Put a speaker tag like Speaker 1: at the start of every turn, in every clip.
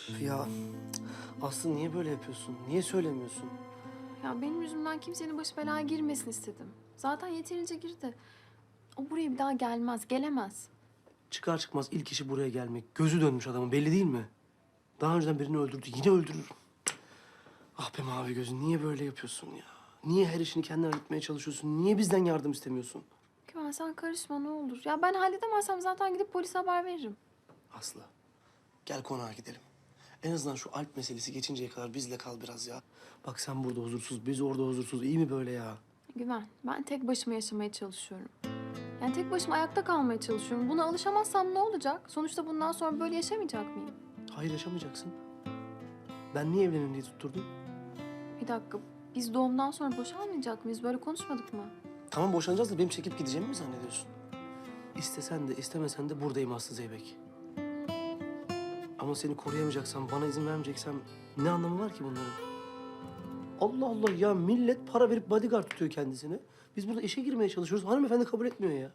Speaker 1: Ya Aslı niye böyle yapıyorsun? Niye söylemiyorsun?
Speaker 2: Ya benim yüzümden kimsenin başı belaya girmesin istedim. Zaten yeterince girdi. O buraya bir daha gelmez, gelemez.
Speaker 1: Çıkar çıkmaz ilk işi buraya gelmek. Gözü dönmüş adamın belli değil mi? Daha önceden birini öldürdü. Yine öldürür. Ah be mavi gözü niye böyle yapıyorsun ya? Niye her işini kendin halletmeye çalışıyorsun? Niye bizden yardım istemiyorsun?
Speaker 2: Güven sen karışma ne olur. Ya ben halledemezsem zaten gidip polise haber veririm.
Speaker 1: Aslı gel konağa gidelim. En azından şu Alp meselesi geçinceye kadar bizle kal biraz ya. Bak sen burada huzursuz, biz orada huzursuz. İyi mi böyle ya?
Speaker 2: Güven ben tek başıma yaşamaya çalışıyorum. Yani tek başıma ayakta kalmaya çalışıyorum. Buna alışamazsam ne olacak? Sonuçta bundan sonra böyle yaşamayacak mıyım?
Speaker 1: Hayır yaşamayacaksın. Ben niye evlenin diye tutturdum?
Speaker 2: Bir dakika biz doğumdan sonra boşanmayacak mıyız? Böyle konuşmadık mı?
Speaker 1: Tamam boşanacağız da benim çekip gideceğimi mi zannediyorsun? İstesen de istemesen de buradayım Aslı Zeybek. Ama seni koruyamayacaksam, bana izin vermeyeceksem ne anlamı var ki bunların? Allah Allah ya millet para verip bodyguard tutuyor kendisine. Biz burada işe girmeye çalışıyoruz. Hanımefendi kabul etmiyor ya.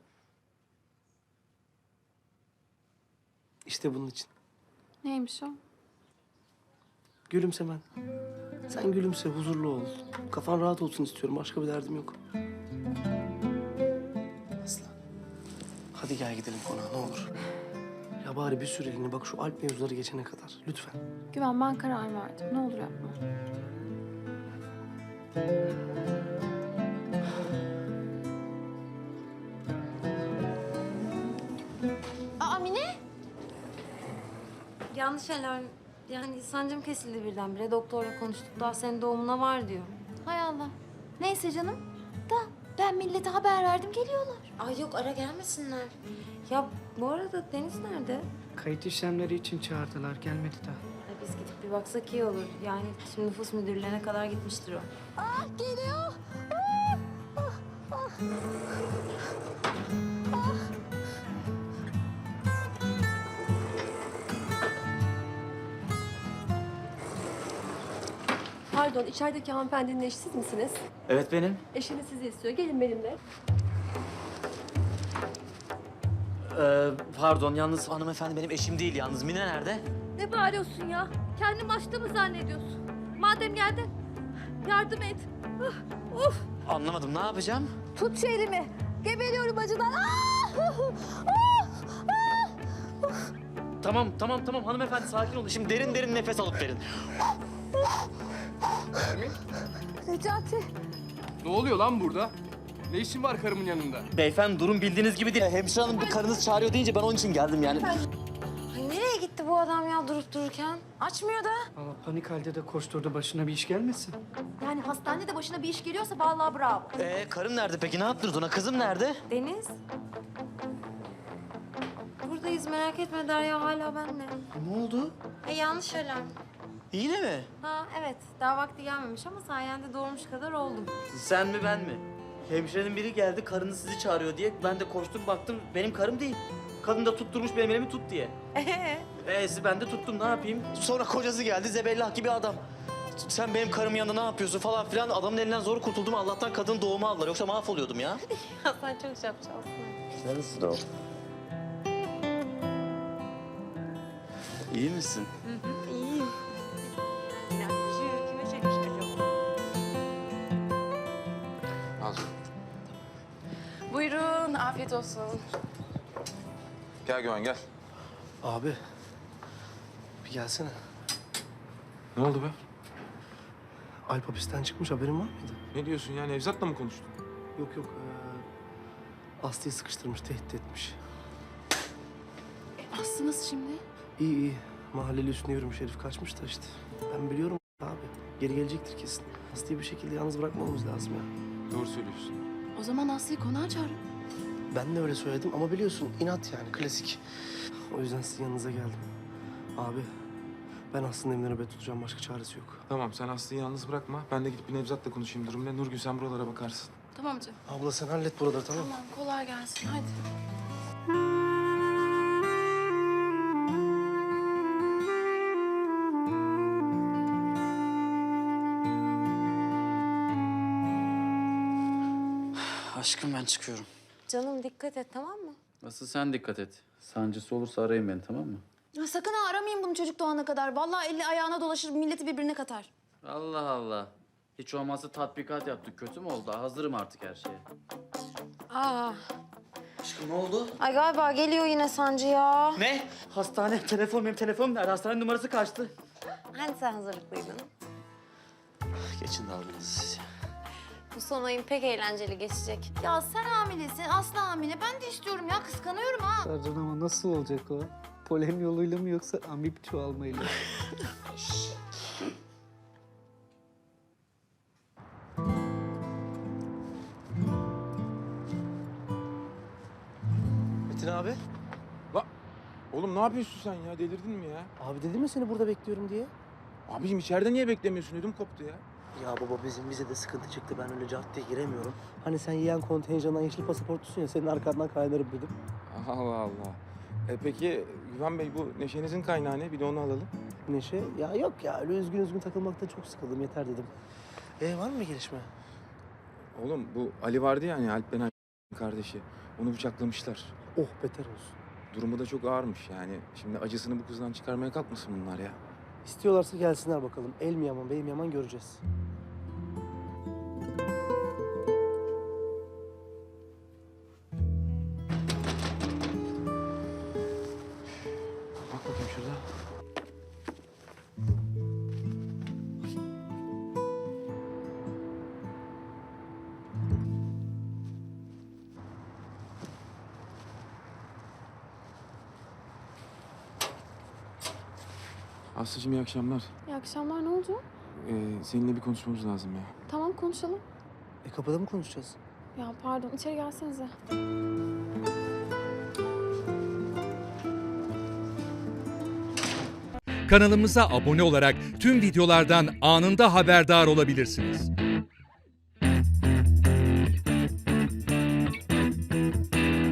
Speaker 1: İşte bunun için.
Speaker 2: Neymiş o?
Speaker 1: Gülümsemen. Sen gülümse, huzurlu ol. Kafan rahat olsun istiyorum. Başka bir derdim yok. Aslı. Hadi gel gidelim konağa ne olur. Ya bari bir süreliğine bak şu Alp mevzuları geçene kadar. Lütfen.
Speaker 2: Güven ben karar verdim. Ne olur yapma.
Speaker 3: Aa Mine! Yanlış alarm. Yani sancım kesildi birdenbire. Doktorla konuştuk. Daha senin doğumuna var diyor.
Speaker 4: Hay Allah. Neyse canım. Da ben millete haber verdim geliyorlar.
Speaker 3: Ay yok ara gelmesinler. Ya bu arada Deniz nerede?
Speaker 5: Kayıt işlemleri için çağırdılar, gelmedi daha.
Speaker 3: Ya biz gidip bir baksak iyi olur. Yani şimdi nüfus müdürlüğüne kadar gitmiştir o.
Speaker 4: Geliyor.
Speaker 6: Pardon, içerideki hanımefendinin eşi siz misiniz?
Speaker 7: Evet benim.
Speaker 6: Eşiniz sizi istiyor. Gelin benimle.
Speaker 7: Pardon yalnız hanımefendi benim eşim değil yalnız. Mine nerede?
Speaker 6: Ne bağırıyorsun ya? Kendini başta mı zannediyorsun? Madem geldin, yardım et. Of!
Speaker 7: Anlamadım ne yapacağım?
Speaker 6: Tut şu elimi. Geberiyorum acıdan.
Speaker 7: Tamam hanımefendi sakin olun. Şimdi derin derin nefes alıp verin.
Speaker 6: Necati.
Speaker 8: Ne oluyor lan burada? Ne işin var karımın yanında?
Speaker 7: Beyefendi durum bildiğiniz gibi değil. Hemşire hanım bir karınız çağırıyor deyince ben onun için geldim yani.
Speaker 3: Ay nereye gitti bu adam ya durup dururken? Açmıyor da.
Speaker 5: Valla panik halde de koşturdu, başına bir iş gelmesin.
Speaker 4: Yani hastanede başına bir iş geliyorsa vallahi bravo.
Speaker 7: Karım nerede peki? Ne yaptınız ona? Kızım nerede?
Speaker 3: Deniz. Buradayız merak etme Derya hala benimle.
Speaker 7: Ne oldu?
Speaker 3: Yanlış alarm.
Speaker 7: Yine mi?
Speaker 3: Ha evet daha vakti gelmemiş ama sayende doğurmuş kadar oldum.
Speaker 7: Sen mi ben mi? Hemşirenin biri geldi karınız sizi çağırıyor diye. Ben de koştum baktım benim karım değil. Kadın da tutturmuş benim elimi tut diye. Ben de tuttum ne yapayım? Sonra kocası geldi zebellah gibi adam. Sen benim karımın yanında ne yapıyorsun falan filan. Adamın elinden zor kurtuldum. Allah'tan kadın doğumu aldılar. Yoksa mahvoluyordum ya.
Speaker 3: Ya sen çok şapşalsın.
Speaker 7: Neresin o? İyi misin?
Speaker 3: İyiyim. Ya şu kime çekmiş acaba?
Speaker 8: Al.
Speaker 9: Buyurun, afiyet olsun.
Speaker 8: Gel Güven gel.
Speaker 1: Abi. Bir gelsene.
Speaker 8: Ne oldu be?
Speaker 1: Alp hapisten çıkmış haberin var mıydı?
Speaker 8: Ne diyorsun ya? Nevzat'la mı konuştun?
Speaker 1: Yok. Aslı'yı sıkıştırmış, tehdit etmiş.
Speaker 2: Aslı nasıl şimdi?
Speaker 1: İyi. Mahalleli üstüne yürümüş herif kaçmış da işte. Ben biliyorum abi. Geri gelecektir kesin. Aslı'yı bir şekilde yalnız bırakmamamız lazım ya.
Speaker 8: Doğru söylüyorsun.
Speaker 2: O zaman Aslı'yı konağa çağırın.
Speaker 1: Ben de öyle söyledim ama biliyorsun inat yani klasik. O yüzden sizin yanınıza geldim. Abi ben Aslı'nın evine nöbet tutacağım. Başka çaresi yok.
Speaker 8: Tamam sen Aslı'yı yalnız bırakma. Ben de gidip bir Nevzat'la konuşayım durum ne. Nurgül sen buralara bakarsın.
Speaker 2: Tamam canım.
Speaker 1: Abla sen hallet buraları tamam mı?
Speaker 2: Tamam kolay gelsin hadi.
Speaker 7: Aşkım ben çıkıyorum.
Speaker 3: Canım dikkat et tamam mı?
Speaker 10: Asıl sen dikkat et. Sancısı olursa arayın beni tamam mı?
Speaker 4: Ya sakın ha aramayın bunu çocuk doğana kadar. Vallahi eli ayağına dolaşır, milleti birbirine katar.
Speaker 7: Allah Allah. Hiç olmazsa tatbikat yaptık. Kötü mü oldu? Hazırım artık her şeye.
Speaker 3: Aa.
Speaker 7: Aşkım ne oldu?
Speaker 3: Ay galiba geliyor yine sancı ya.
Speaker 7: Ne? Hastane, benim telefonum nerede? Hastane numarası kaçtı.
Speaker 3: Hani sen hazırlıklıydın?
Speaker 1: Geçin dalgınızı siz.
Speaker 3: Bu son ayın pek eğlenceli geçecek.
Speaker 4: Ya sen hamilesin, Aslı hamile. Ben de istiyorum ya, kıskanıyorum ha.
Speaker 5: Sercan ama nasıl olacak o? Polen yoluyla mı yoksa amip çoğalmayla mı?
Speaker 1: Metin abi.
Speaker 8: Oğlum ne yapıyorsun sen ya? Delirdin mi ya?
Speaker 1: Abi dedim ya seni burada bekliyorum diye.
Speaker 8: Abicim içeride niye beklemiyorsun? Ödüm koptu ya.
Speaker 1: Ya baba bizim bize de sıkıntı çıktı. Ben öyle caddeye giremiyorum. Hani sen yiyen kontenjandan yeşil pasaportlusun ya. Senin arkandan kaynarım dedim.
Speaker 8: Allah Allah. Peki Güven Bey bu neşenizin kaynağı ne? Bir de onu alalım.
Speaker 1: Neşe. Ya yok ya öyle üzgün üzgün takılmaktan çok sıkıldım. Yeter dedim. Var mı bir gelişme?
Speaker 8: Oğlum bu Ali vardı ya hani Alp Benay kardeşi. Onu bıçaklamışlar.
Speaker 1: Oh beter olsun.
Speaker 8: Durumu da çok ağırmış yani. Şimdi acısını bu kızdan çıkarmaya kalkmasın bunlar ya.
Speaker 1: İstiyorlarsa gelsinler bakalım. El mi yaman, bey mi yaman göreceğiz.
Speaker 8: Bak bakayım şurada. Aslıcığım iyi akşamlar.
Speaker 2: İyi akşamlar, ne oldu?
Speaker 8: Seninle bir konuşmamız lazım ya.
Speaker 2: Tamam, konuşalım.
Speaker 1: Kapıda mı konuşacağız?
Speaker 2: Ya pardon, içeri gelsenize.
Speaker 9: Kanalımıza abone olarak tüm videolardan anında haberdar olabilirsiniz.